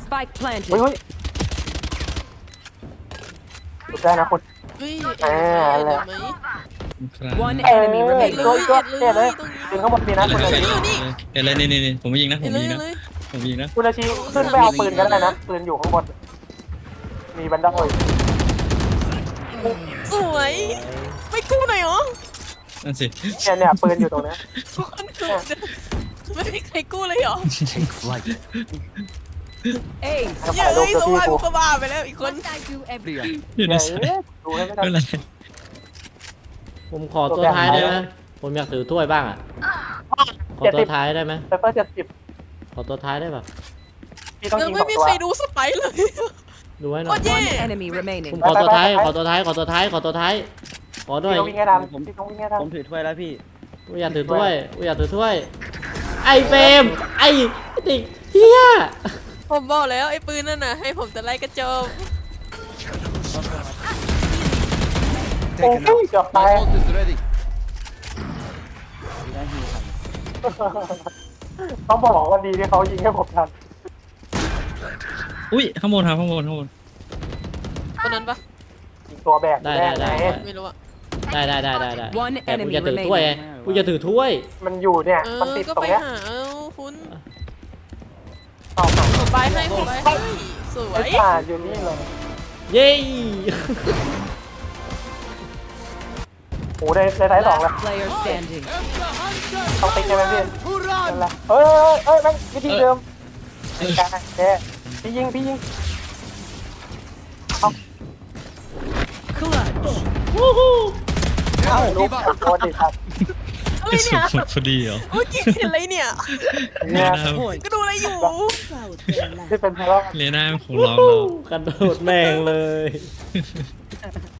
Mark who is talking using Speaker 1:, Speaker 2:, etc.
Speaker 1: Spike
Speaker 2: เฮ้ย
Speaker 1: planted.
Speaker 2: เฮ้ยสุดได้นะคุณ
Speaker 3: เฮ้ย
Speaker 2: อะไร
Speaker 3: เดี๋ยวไหม
Speaker 4: ครับ
Speaker 1: One
Speaker 2: เออ
Speaker 1: enemy
Speaker 2: ตัว
Speaker 1: remaining.
Speaker 2: ตัวเนี่ยเลยยิงข้างบนดีนะคุณอาชี
Speaker 4: เห็นอะไรนี่ผมไม่ยิงนะผ
Speaker 3: เห็น
Speaker 4: ม
Speaker 3: เลย
Speaker 4: ยิง
Speaker 3: เห็
Speaker 4: นะ
Speaker 3: นเลย
Speaker 4: ผมยิงนะ
Speaker 2: คุณอาชีขึ้นไปเอาปืนกันได้นะปืนอยู่ข้างบนมีบันได
Speaker 3: สวยไม่กู้หน่อยเหรอ
Speaker 4: นั่นสิ
Speaker 2: เนี่ยปืนอยู่ตรงนี้
Speaker 3: ไม่มีใครกู้เลยเหรอ
Speaker 1: Hey,
Speaker 2: ให้
Speaker 3: เย้
Speaker 2: ถ่ายรูป
Speaker 3: ย
Speaker 2: กับ
Speaker 3: ส
Speaker 2: พี่
Speaker 3: วาย
Speaker 2: กู
Speaker 3: กูก็บ้าไปแล้วอีกคน
Speaker 1: what I do every
Speaker 4: อยู่ใน
Speaker 2: เนี่ย
Speaker 4: สาย
Speaker 2: ดูให้ไม่ทั
Speaker 4: ไม่
Speaker 2: น
Speaker 4: เป็นไร
Speaker 5: ผมขอตัวท้ายได้ไหมผมอยากถือถ้วยบ้างอ่ะ ขอตัวท้ายได้ไหม
Speaker 2: ไซเฟอร์70
Speaker 5: ขอตัวท้ายได้ปะ
Speaker 2: พี่ต้อง
Speaker 3: ยั
Speaker 2: ยิ
Speaker 3: ง
Speaker 2: ง
Speaker 3: ไม่
Speaker 2: 2
Speaker 3: มี
Speaker 2: ตัว
Speaker 3: ใครดูสไปร์เลย
Speaker 5: ดูไว้หน่
Speaker 3: โค
Speaker 5: อย
Speaker 3: ตรแย่
Speaker 1: one enemy
Speaker 5: ผม
Speaker 1: remaining.
Speaker 5: ขอตัวท้าย ขอตัวท้าย ขอตัวท้าย ขอตัวท้าย ขอหน่อย
Speaker 2: พี่ต้องวิ่งให้ทันพี่ต้องวิ่งให้ทัน
Speaker 6: ผมถือถ้วยแล้วพี่
Speaker 5: กูอยากถือถ้วยกูอยากถือถ้วย ไอ้เฟรมไอ้เด็กเฮีย
Speaker 3: ผมบอกแล้วไอ้ปืนนั่นน่ะให้ผมจะไล่กระโจม
Speaker 2: โอ้ยเกือบตาย ต้องบอกว่าดีที่เขายิงให้ผมทัน
Speaker 4: อุ้ยข้างบนครับข้างบน
Speaker 3: คนนั้นปะ
Speaker 2: ยิงตัวแบก
Speaker 5: ได้
Speaker 2: แน่
Speaker 5: ได้
Speaker 2: ไหน
Speaker 3: ไม่รู้อะ
Speaker 5: ได้ได้ได้ได้ได้
Speaker 1: One
Speaker 5: แต่กู
Speaker 1: enemy
Speaker 5: จะถือถ้วยไง
Speaker 1: remaining.
Speaker 5: กูจะถือถ้วย
Speaker 2: มันอยู่เนี่ย
Speaker 3: เอ
Speaker 2: มัน
Speaker 3: อ
Speaker 2: ติด
Speaker 3: ก็
Speaker 2: ตรง
Speaker 3: ไป
Speaker 2: เนี้ย
Speaker 3: หาเอาคุณ
Speaker 2: ต่อหา
Speaker 3: ผมไปให้ผมไปให้สว
Speaker 2: ไอ้
Speaker 3: ย
Speaker 2: ป่าอยู่นี่เลย
Speaker 5: เย้
Speaker 2: โอ้ได้ท้าย2แล้ว
Speaker 1: Last player standing.
Speaker 2: ต้องติ๊กใช่ไหมพี่นั่นแหละเอ้ยแม่งวิธีเดิมการแค่พี่ยิง
Speaker 1: Clutch.
Speaker 2: เอ้าลูกโดนดิครับ
Speaker 3: อะไร
Speaker 4: กระสุ
Speaker 3: เนี่
Speaker 4: น
Speaker 3: ย
Speaker 4: หมดพอดีเหรอ
Speaker 3: เมื่อกี้เห็นอะไรเนี่ย
Speaker 2: เนี่ย
Speaker 3: ก็ดูอะไรอยู่
Speaker 2: ที่เป็นเพราะ
Speaker 4: เลน่าของเราเรา
Speaker 5: กระโดดแม่งเลย